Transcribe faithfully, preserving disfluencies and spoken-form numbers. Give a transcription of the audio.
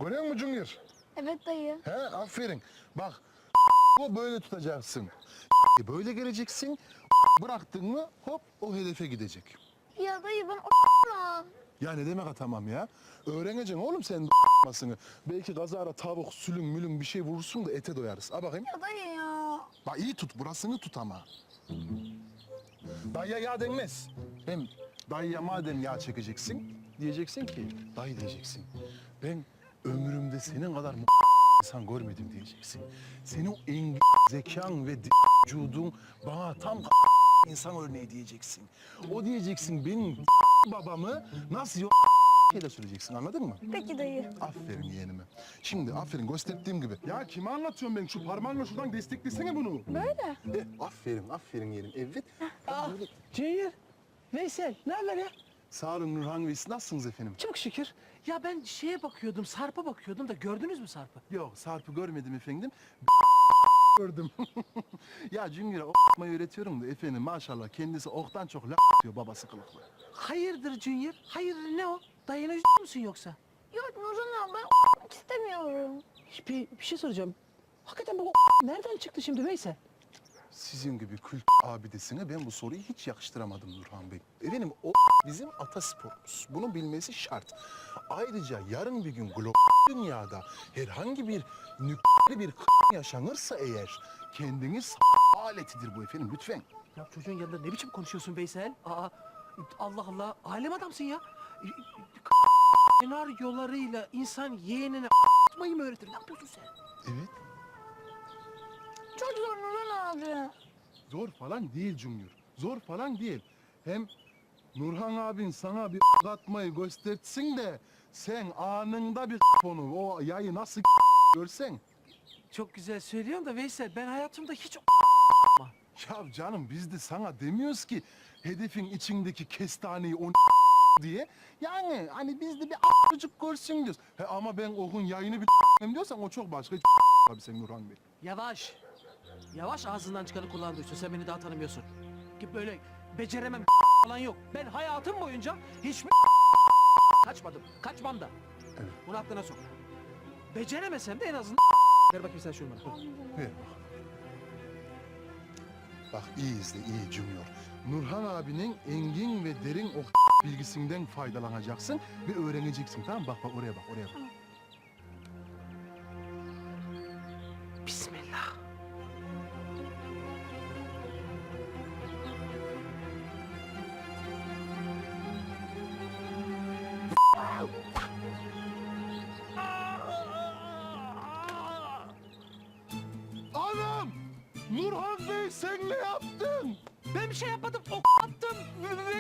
Görüyor musun Junior? Evet dayı. He, aferin. Bak, o böyle tutacaksın. Böyle geleceksin. Bıraktın mı hop o hedefe gidecek. Ya dayı ben o Ya ne demek atamam ya? Öğreneceksin oğlum sen masını. Belki kazara tavuk, sülüm, mülüm bir şey vurursun da ete doyarız. Ha bakayım. Ya dayı ya. Bak iyi tut, burasını tut ama. Dayıya yağ denmez. Hem dayıya madem yağ çekeceksin, diyeceksin ki, dayı diyeceksin. Ben ömrümde senin kadar m- insan görmedim diyeceksin. Senin o engin zekan ve d- vücudun bana tam insan örneği diyeceksin. O diyeceksin benim babamı nasıl yo şeyle söyleyeceksin, anladın mı? Peki dayı. Aferin yeğenime. Şimdi aferin gösterdiğim gibi. Ya kime anlatıyorum ben? Şu parmağınla şuradan desteklesene bunu. Böyle. E, aferin, aferin yeğenim. Evet. Ah, Ceyhir, Veysel, ne haber ya? Sağ olun Nurhan Bey, siz nasılsınız efendim? Çok şükür. Ya ben şeye bakıyordum, Sarp'a bakıyordum da gördünüz mü Sarp'ı? Yok, Sarp'ı görmedim efendim. Gördüm. Ya Cüngür'e o ***mayı öğretiyorum da efendim maşallah kendisi oktan çok la diyor babası kılıklı. Hayırdır Junior? Hayırdır ne o? Dayına üz musun yoksa? Yok Nurhan abi ben o istemiyorum. Bir, bir şey soracağım. Hakikaten bu nereden çıktı şimdi Veysel? Sizin gibi kült abidesine ben bu soruyu hiç yakıştıramadım Nurhan Bey. Efendim o bizim atasporumuz. Bunu bilmesi şart. Ayrıca yarın bir gün global dünyada herhangi bir nükleer bir yaşanırsa eğer kendiniz aletidir bu efendim lütfen. Ya çocuğun yanında ne biçim konuşuyorsun Veysel? Aa, Allah Allah, alem adamsın ya. Senaryolarıyla insan yeğenine atmayı mı öğretir? Ne yapıyorsun sen? Evet. Çok zor Nurhan abi. Zor falan değil Junior. Zor falan değil. Hem Nurhan abin sana bir atmayı göstersin de sen anında bir onu o yayı nasıl görsen. Çok güzel söylüyorsun da Veysel, ben hayatımda hiç Ya canım biz de sana demiyoruz ki hedefin içindeki kestaneyi on diye. Yani hani biz de bir çocuk görsün diyoruz. He, ama ben okun yayını bir diyorsan o çok başka tabii sen Nurhan Bey. Yavaş. Yavaş ağzından çıkanı kulağın duysun. Sen beni daha tanımıyorsun. Ki böyle beceremem falan yok. Ben hayatım boyunca hiç kaçmadım. Kaçmam da. Evet. Bunu aklına sok. Beceremesem de en azından ver bakayım sen şunu bana. Ver bak. Bak iyi izle iyi Junior. Nurhan abinin engin ve derin o bilgisinden faydalanacaksın ve öğreneceksin tamam mı? Bak bak oraya bak oraya bak. Bismillah. Anam! Nurhan Bey sen ne yaptın? Ben bir şey yapmadım. Ok attım.